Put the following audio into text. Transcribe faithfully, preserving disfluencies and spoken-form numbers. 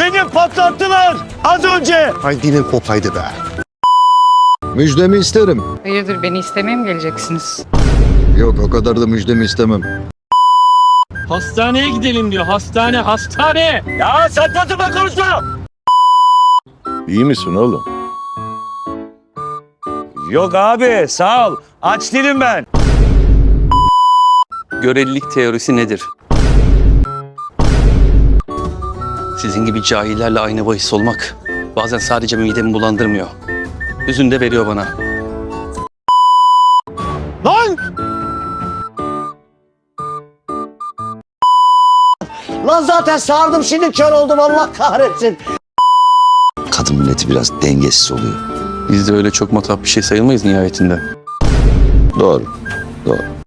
Seni patlattılar az önce. Ay dilin kopaydı be. Müjdemi isterim. Hayırdır, beni istemeye mi geleceksiniz? Yok, o kadar da müjdemi istemem. Hastaneye gidelim diyor. Hastane, hastane. Ya saçma konuşma. İyi misin oğlum? Yok abi sağ ol. Aç değilim ben. Görelilik teorisi nedir? Sizin gibi cahillerle aynı bahis olmak bazen sadece midemi bulandırmıyor. Hüzün de veriyor bana. Lan! Lan zaten sardım şimdi kör oldum Allah kahretsin. Kadın milleti biraz dengesiz oluyor. Biz de öyle çok matah bir şey sayılmayız nihayetinde. Doğru, doğru.